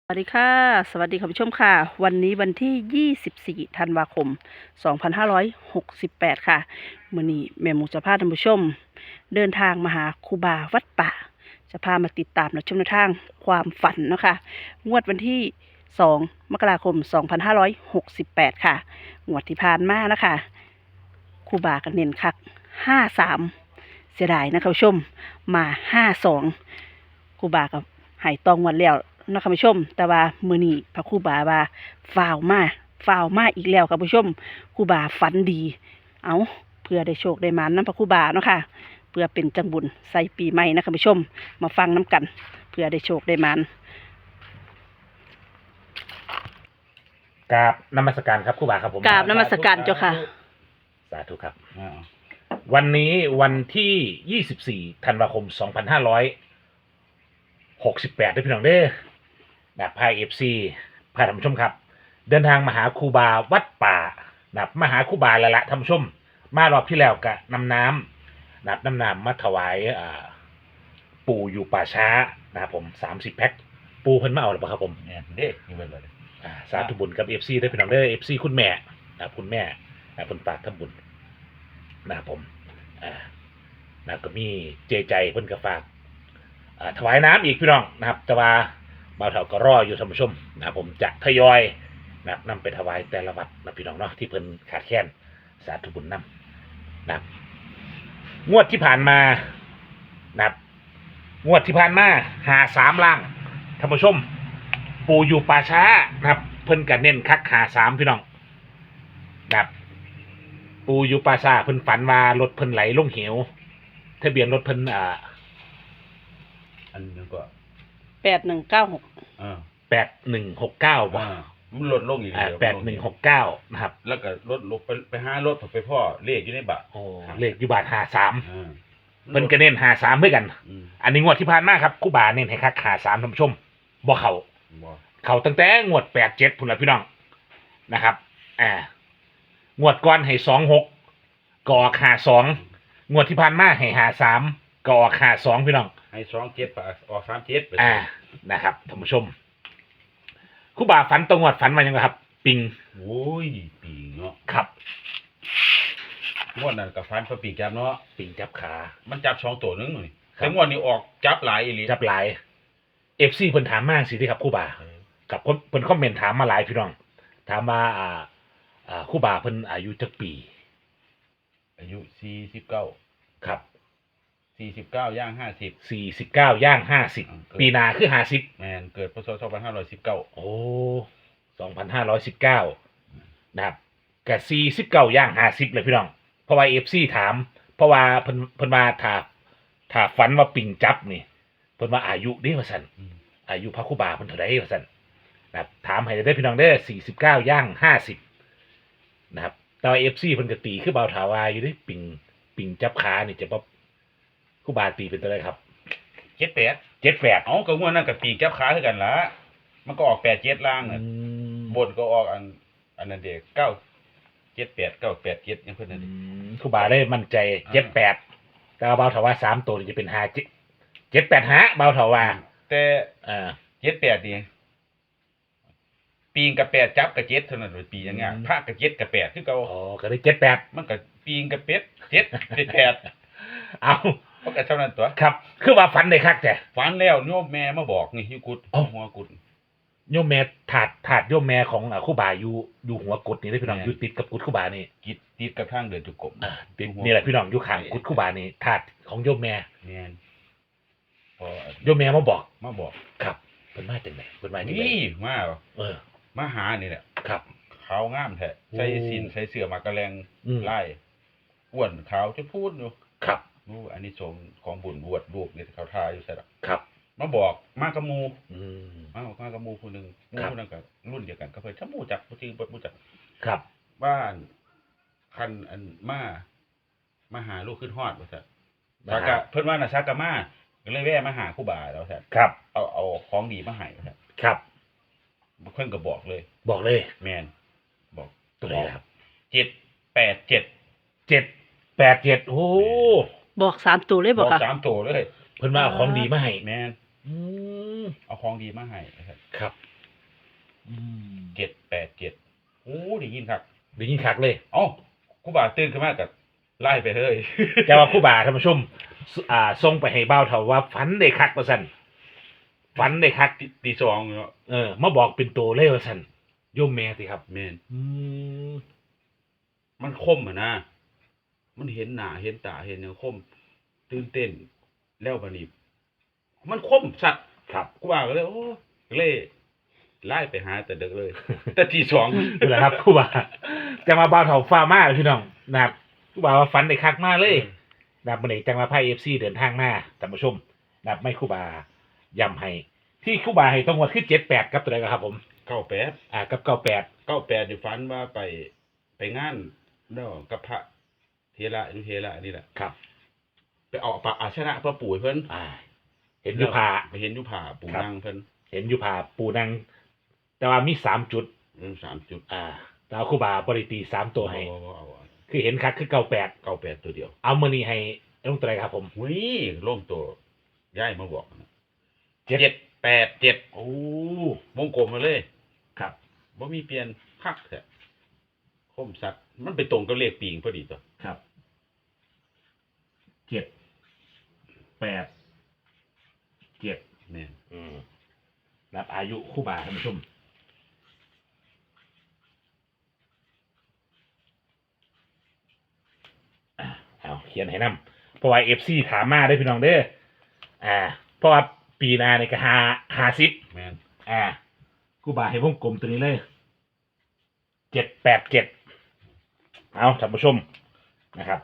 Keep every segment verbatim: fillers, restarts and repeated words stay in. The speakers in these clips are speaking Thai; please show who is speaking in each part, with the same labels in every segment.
Speaker 1: สวัสดีค่ะสวัสดีคุณผู้ชมค่ะวันนี้วันที่ยี่สิบสี่ธันวาคมสองพันห้าร้อยหกสิบแปดค่ะมื้อนี้แม่หมูจะพาท่านผู้ชมเดินทางมาหาครูบาวัดป่าจะพามาติดตามและชมแนวทางความฝันเนาะค่ะงวดวันที่สองมกราคมสองพันห้าร้อยหกสิบแปดค่ะงวดที่ผ่านมานะคะครูบาก็เน้นคักห้าสามเสียดายนะคะผู้ชมมาห้าสองครูบากับหายตองวันแล้วนะคะผู้ชมแต่ว่ามื้อนี้พระครูบาว่าฝ่าวมาฝ่าวมาอีกแล้วค่ะผู้ชมครูบาฝันดีเอาเพื่อได้โชคได้หมานนำพระครูบาเนาะค่ะเพื่อเป็นจังบุญใส่ปีใหม่นะคะผู้ชมมาฟังน้ำกันเพื่อได้โชคได้หมาน
Speaker 2: กราบนมัสการครับครูบาครับผม
Speaker 1: กราบนมัสการเจ้าค่ะ
Speaker 2: สาธุครับวันนี้วันที่ยี่สิบสี่ธันวาคมสองพันห้าร้อยหกสิบแปดด้วยพี่น้องเด้อนะพายเอฟซีพาท่านผู้ชมครับเดินทางมาหาครูบาวัดป่านะมาหาครูบาละละท่านผู้ชมมารอบที่แล้วกะนำน้ำนะนำน้ำมาถวายอ่าปู่อยู่ป่าช้านะครับผมสามสิบแพ็คปูเพิ่นมาเอาหรือเปล่าครับผม
Speaker 3: เนี่ยเด็กนี่เป็นเลย
Speaker 2: อ่าสาธุบุญกับเอฟซีได้พี่น้องเด้อเอฟซีคุณแม่นะครับคุณแม่นะเพิ่นฝากทำบุญนะครับผมอ่านะก็มีเจใจเพิ่นก็ฝากอ่าถวายน้ำอีกพี่น้องนะครับแต่ว่าบ่าวเฒ่าก็รออยู่ท่านผู้ชมนะครับผมจะทยอยนะครับนำไปถวายแต่ละวัดนะพี่น้องเนาะที่เพิ่นขาดแคลนสาธุบุญนำนะครับงวดที่ผ่านมานะครับงวดที่ผ่านมาหาสามล่างท่านผู้ชมปู่อยู่ป่าช้านะครับเพิ่นก็เน้นคักหาสามพี่น้องนะครับปู่อยู่ป่าช้าเพิ่นฝันว่ารถเพิ่นไหลลงเหวทะเบียนรถเพิ่นอ่า
Speaker 3: อันนึงก็
Speaker 1: แปดหนึ่งเก้าหก
Speaker 3: อ่า
Speaker 2: แปดหนึ่งหกเก้าบ่
Speaker 3: มันลดลงอีก
Speaker 2: อ่าแปดหนึ่งหกเก้านะครับ
Speaker 3: แล้วก็ลดลงไปไปหารถไปพ่อเลขอยู่ในบัตร
Speaker 2: โอ้เลขอยู่บาทหาสาม
Speaker 3: อ่า
Speaker 2: เพิ่นก็เน้นหาสามเพื่อกันอันนี้งวดที่ผ่านมาครับครูบาเน้นให้คักหาสามท่านผู้ชมบ่เข้า
Speaker 3: บ่
Speaker 2: เข้าตั้งแต่งวดแปดเจ็ดพุ่นละพี่น้องนะครับอ่างวดก่อนให้สองหกก็ออกหาสองงวดที่ผ่านมาให้หาสามก็ออกหาสองพี่น้อง
Speaker 3: ให้สองเจ็ดออกสามเจ็ด
Speaker 2: อ่านะครับท่านผู้ชมครูบาฝันตรงงวดฝันมายังไงครับปิง
Speaker 3: โอ้ยปิงเนาะ
Speaker 2: ครับ
Speaker 3: งวดนั้นกับฟันพระปีกจับเนาะ
Speaker 2: ปิงจับขา
Speaker 3: มันจับสองตัวนึงนี่แต่งวดนี้ออกจับหลายอีหลี
Speaker 2: จับหลายเอฟซีเพิ่นถามมาสิที่ครับครูบากับเพิ่นคอมเมนต์ถามมาหลายพี่น้องถามว่าอ่าอ่าครูบาเพิ่นอายุจักปี
Speaker 3: อายุสี่สิบเก้า
Speaker 2: ครับ
Speaker 3: สี่สิบเก้าย่างห้าสิบ
Speaker 2: สี่สิบเก้าย่างห้าสิบปีหน้าคือห้าสิบ
Speaker 3: แม่นเกิดพศสองพันห้าร้อยสิบเก้า
Speaker 2: โอ้สองพันห้าร้อยสิบเก้านะครับก็สี่สิบเก้าย่างห้าสิบเลยพี่น้องเพราะว่าเอฟซีถามเพราะว่าเพิ่นเพิ่นมาถ้าถ้าฝันว่าปิงจับนี่เพิ่นว่าอายุเด้ว่าซั่นอายุพระครูบาเพิ่นเท่าใดว่าซั่นนะครับถามให้ได้พี่น้องเด้อสี่สิบเก้าย่างห้าสิบนะครับแต่ว่า เอฟ ซี เพิ่นก็ตีคือเบาถาวาอยู่เด้ปิงปิงจับขานี่จะบ่ครูบาตีเป็นตัวใดครับ
Speaker 3: เจ็ดแปด
Speaker 2: เจ็ดแปด
Speaker 3: เอ้าก็งวดนั้นก็ปีกจับขาคือกันล่ะมันก็ออกแปดเจ็ดล่างน่ะบนก็ออกอันอันนั้นเด็กเก้าเจ็ดแปดเก้าแปดเจ็ดยังเพิ่นนั่นดิ
Speaker 2: ครูบาได้มั่นใจเจ็ดแปดแต่ว่าเบาถาวาสามตัวนี่จะเป็นห้าเจ็ดเจ็ดแปดห้าเบาถาวา
Speaker 3: แต่
Speaker 2: อ่า
Speaker 3: เจ็ดแปดนี่ปีงกับแปดจับกับเจ็ดเท่านั้นเลยปีอย่างเงี้ยพระกับเจ็ดกับแปดคือเก่า
Speaker 2: อ๋อก็ได้เจ็ดแปด
Speaker 3: มันก็ปีงกับเป็ดเจ็ดเป็นแปด
Speaker 2: เอา
Speaker 3: เพราะก็เท่านั้นตัว
Speaker 2: ครับคือว่าฝันได้คักแต่
Speaker 3: ฝันแล้วโยมแม่มาบอกนี่อยู่กุดหัวกุด
Speaker 2: โยมแม่ถาดถาดโยมแม่ของครูบาอยู่อยู่หัวกุดนี่ได้พี่น้องอยู่ติดกับกุดครูบานี่
Speaker 3: กิดติดกับทางเดินจุกกบ
Speaker 2: อ่านี่แหละพี่น้องอยู่ข้างกุดครูบานี่ถาดของโยมแม่
Speaker 3: แม่น
Speaker 2: พอโยมแม่มาบอก
Speaker 3: มาบอก
Speaker 2: ครับเพิ่นมาจังได๋เพิ่นมาจังได๋
Speaker 3: นี่มา
Speaker 2: เออ
Speaker 3: มาหานี่แหละ
Speaker 2: ครับ
Speaker 3: ขาวงามแท้ใส่สินใส่เสื้อมากระแลงไล่อ้วนขาวจะพูดอยู่
Speaker 2: ครับ
Speaker 3: รู้อันนี้สงของบุญบวชลูกนี่เขาทาอยู่ใช่หรอ
Speaker 2: ครับ
Speaker 3: มาบอกมากระมู
Speaker 2: อืม
Speaker 3: มามากระมูคนนึงมูคนนั้นก็รุ่นเดียวกันก็เพิ่นถ้ามูจักบ่จริงบ่มูจัก
Speaker 2: ครับ
Speaker 3: บ้านคันอันมามาหาลูกขึ้นฮอดว่าซั่นซากะเพิ่นว่าน่ะซากะมาก็เลยแวะมาหาครูบาแล้วซั่น
Speaker 2: ครับ
Speaker 3: เอาเอาของดีมาให้ว่าซั่น
Speaker 2: ครับ
Speaker 3: เพิ่นก็บอกเลย
Speaker 2: บอกเลย
Speaker 3: แม่นบอก
Speaker 2: ตัวไหนครับ
Speaker 3: เจ็ดแปดเจ็ด
Speaker 2: เจ็ดแปดเจ็ดโอ้
Speaker 1: บอกสามตัวเลยบอกค่ะ
Speaker 3: บอกสามตัวเลย
Speaker 2: เพิ่นมาเอาของดีมาให้
Speaker 3: แม่น
Speaker 2: อืม
Speaker 3: เอาของดีมาให้
Speaker 2: ครับอืม
Speaker 3: เจ็ดแปดเจ็ดโอ้ได้ยินครับ
Speaker 2: ได้ยินคักเลย
Speaker 3: เอ้าครูบาตื่นขึ้นมากับไล่ไปเลย
Speaker 2: แต่ว่าครู่บาท่านผู้ชมสอ่าส่งไปให้เบ้าเท่าว่าฝันได้คักว่าซั่นฝันได้คัก
Speaker 3: ตีตีสองเนาะ
Speaker 2: เออมาบอกเป็นตัวเลยว่าซั่นโยมแม่สิครับ
Speaker 3: แม่น
Speaker 2: อืม
Speaker 3: มันคมอะนะมันเห็นหน้าเห็นตาเห็นแนวคม ตื่นเต้นแล้วบัดนี้มันคมสัตว์
Speaker 2: ครับ
Speaker 3: ครูบาก็เลยโอ้เลยไล่ไปหาแต่เด็กเลย แต่ตีสอง
Speaker 2: นี่แหละครับครู่บาจะมาเบ้าเท่าฟ้ามาเลยพี่น้องนะครับครู่บาว่าฝันได้คักมากเลย นะครับวันนี้จังมาไพ่เอฟซีเดินทางมาท่านผู้ชมนะครับไม่ครู่บาย้ำให้ที่ครู่บาให้ต้องวัดขึ้นเจ็ดแปดครับตัวใดครับผม
Speaker 3: เก้าแปด
Speaker 2: อ่ากับเก้าแปด
Speaker 3: เก้าแปดอยู่ฝันว่าไปไปงานเนาะกับพระเทระอนุเทระนี่แหละ
Speaker 2: ครับ
Speaker 3: ไปเอาปะอาชนะพระปู่ให้เพิ่น
Speaker 2: อ่า เห็นอยุพา
Speaker 3: ไปเห็นอยุผาปู่
Speaker 2: ครับ
Speaker 3: นั่งเพิ่น
Speaker 2: เห็นอยุพาปูนังแต่ว่ามีสามจุด
Speaker 3: เรื่องสามจุด
Speaker 2: อ่าแต่ว่าครู่บาบริตีสามตัวให้
Speaker 3: เอาเอาเอาเอา
Speaker 2: คือเห็นคักคือเก้าแปด
Speaker 3: เก้าแปดตัวเดียว
Speaker 2: เอามือนี้ให้ลงตัวใดครับผม
Speaker 3: หุ้ยล่มตัวย้ายมาบอกนะ
Speaker 2: เจ็ด
Speaker 3: เจ็ดแปดเจ็ด
Speaker 2: โอ้
Speaker 3: วงกลมมาเลย
Speaker 2: ครับ
Speaker 3: บ่มีเปลี่ยนคักแท้คมสัตว์มันไปตรงกับเลขปีงพอดีตัว
Speaker 2: ครับเจ็ดแปดเจ็ด
Speaker 3: แม่น
Speaker 2: อืมรับอายุครู่บาท่านผู้ชมอ่ะเอาเขียนให้นำเพราะว่าเอฟซีถามมาได้อพี่น้องเด้ออ่า เพราะว่าปีหนาในก็หาหาซิป
Speaker 3: แม่น
Speaker 2: อ่าครู่บาให้วงกลมตัวนี้เลยเจ็ดแปดเจ็ดเอาท่านผู้ชมนะครับ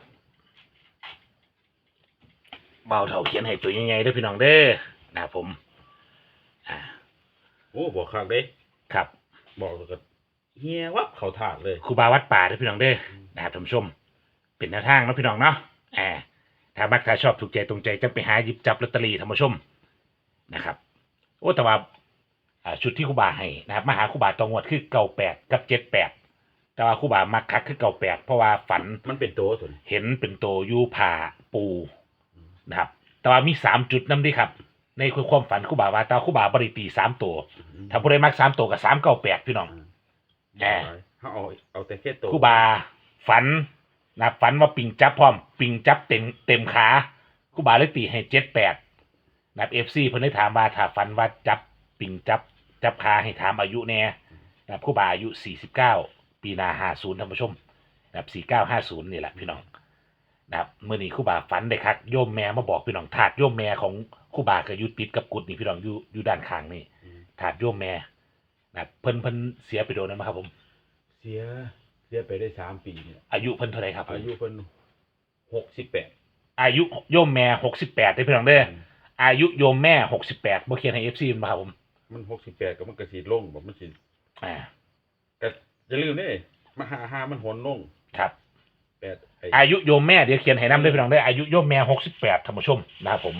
Speaker 2: เบาเท่าเขียนให้ตัวยังไงเด้อพี่น้องเด้อนะครับผม อ่า
Speaker 3: โอ้บอกคักเด้
Speaker 2: ครับ
Speaker 3: บอกแล้วก็เฮียวับเขาถาดเลย
Speaker 2: ครูบาวัดป่าเด้อพี่น้องเด้อนะครับท่านผู้ชม เป็นแนวทางเนาะพี่น้องเนาะอ่าถ้ามักถ้าชอบถูกใจตรงใจจะไปหาหยิบจับลอตเตอรี่ท่านผู้ชมนะครับ โอ้แต่ว่าอ่าชุดที่ครูบาให้นะครับมาหาครูบาตองวดคือเก่าแปดกับเจ็ดแปดแต่ว่าครูบามักคักคือเก่าแปดเพราะว่าฝัน
Speaker 3: มันเป็นตัวตัวนี้
Speaker 2: เห็นเป็นโตอยูผ่าปูนะครับ แต่ว่ามีสามจุดนำดิครับ ในความฝันครูบาว่าแตว่าครูบาบริตีสามตัวถ้าผู้ใดมักสามตัวกับสามเก้าแปดพี่น้อง แหม่
Speaker 3: เขาเอาเอาแต่แค่ตัว
Speaker 2: ครูบาฝันนะฝันว่าปิงจับพร้อม ปิงจับเต็มเต็มขาครูบาเลยตีให้เจ็ดแปดนะเอฟซีเพิ่นได้ถามว่าถ้าฝันว่าจับปิงจับจับขาให้ถามอายุแน่นะครูบาอายุสี่สิบเก้าปีหนาห้าศูนย์ท่านผู้ชมนะครับสี่เก้าห้าศูนย์นี่แหละพี่น้องนะครับเมื่อนี้ครูบาฝันได้ครับโยมแม่มาบอกพี่น้องถาดโยมแม่ของครูบาก็อยู่ติดกับกุฏินี่พี่น้องอยู่อยู่ด้านข้างนี่
Speaker 3: อืม
Speaker 2: ถาดโยมแม่นะครับเพิ่นเพิ่นเสียไปโดนนั้นไหมครับผม
Speaker 3: เสียเสียไปได้สามปีเนี่ย
Speaker 2: อายุเพิ่นเท่าไหร่ครับผม
Speaker 3: อายุเพิ่นหกสิบแปด
Speaker 2: อายุโยมแม่หกสิบแปดได้พี่น้องเด้ออายุโยมแม่หกสิบแปดบ่เขียนให้ เอฟ ซี มาครับผม
Speaker 3: มันหกสิบแปดก็มันก็สิลงบ่มันสิ
Speaker 2: อ่า
Speaker 3: แต่อย่าลืมเด้มาหาหามันหนลง
Speaker 2: ครับ
Speaker 3: แปดไอ้
Speaker 2: อายุโยมแม่เดี๋ยวเขียนให้นำด้วยพี่น้องเด้ออายุโยมแม่หกสิบแปดท่านผู้ชมนะครับผม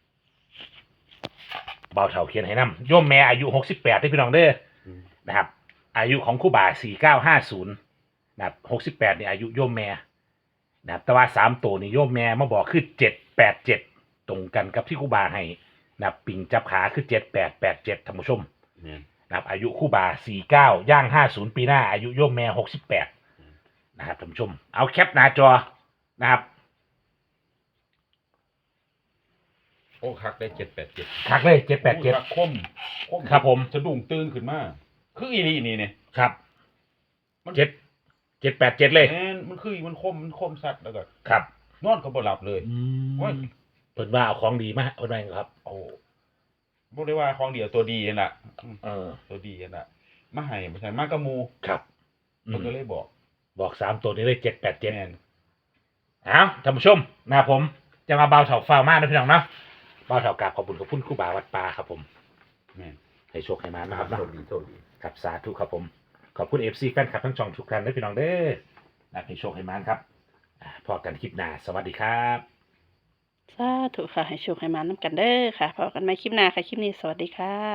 Speaker 2: เบาเท่าเขียนให้นำโยมแม่อายุหกสิบแปดได้พี่น้องเด้อ
Speaker 3: อืม
Speaker 2: นะครับ อายุของครูบาสี่เก้าห้าศูนย์นะครับหกสิบแปดนี่อายุโยมแม่นะครับแต่ว่าสามตัวนี่โยมแม่มาบอกคือเจ็ดแปดเจ็ดตรงกันกับที่ครูบาให้นะครับปิงจับขาคือเจ็ดแปดแปดเจ็ดท่านผู้ชม
Speaker 3: เนี่ย
Speaker 2: นะครับอายุครู่บาสี่เก้าย่างห้าศูนย์ปีหน้าอายุโยมแม่หกสิบแปดนะครับท่านผู้ชมเอาแคปหน้าจอนะครับ
Speaker 3: โอ้คักได้เจ็ดแปดเจ็ด
Speaker 2: คักเลยเจ็ดแปดเจ็ด
Speaker 3: คักคมคม
Speaker 2: ครับผม
Speaker 3: สะดุ้งตื่นขึ้นมาคืออีนี่นี่เนี่ย
Speaker 2: ครับ
Speaker 3: มัน
Speaker 2: เจ็ดเจ็ดแปดเจ็ดเลย
Speaker 3: แม่นมันคือมันคมมันคมสัตว์แล้วก็
Speaker 2: ครับ
Speaker 3: นอนก็บ่หลับเลย โอ้ย
Speaker 2: เพิ่นว่าเอาของดีมาเพิ่นว่าไงครับ
Speaker 3: โอ้บ่ได้ว่าของเดียวตัวดีนั่นล่ะอืม
Speaker 2: เออ
Speaker 3: ตัวดีนั่นล่ะมาให้บ่ใช่มากระมู
Speaker 2: ครับอื
Speaker 3: เพิ่น
Speaker 2: ม
Speaker 3: ก็เลยบอก
Speaker 2: บอกสามตัวนี้เลยเจ็ดแปดเจ็ด
Speaker 3: แม่น
Speaker 2: เอาท่านผู้ชมนะครับผมจะมาเบาเถาฟ้าวมากนะพี่น้องเนาะเบาเถากราบขอบคุณขอบคุณครู่บาวัดป่าครับผม
Speaker 3: แม่น
Speaker 2: ให้โชคให้มานะครับ
Speaker 3: โช
Speaker 2: เนาะ
Speaker 3: คดีโชคดี
Speaker 2: ครับสาธุครับผมขอบคุณเอฟซีแฟนคลับทั้งช่องทุกท่านด้วยพี่น้องเด้อนะให้โชคให้มานครับอ่าพอกันคลิปหน้าสวัสดีครับ
Speaker 1: สาธุค่ะให้โชคให้มาน้ำกันเด้อค่ะพบกันใหม่คลิปหน้าค่ะ คลิปนี้สวัสดีค่ะ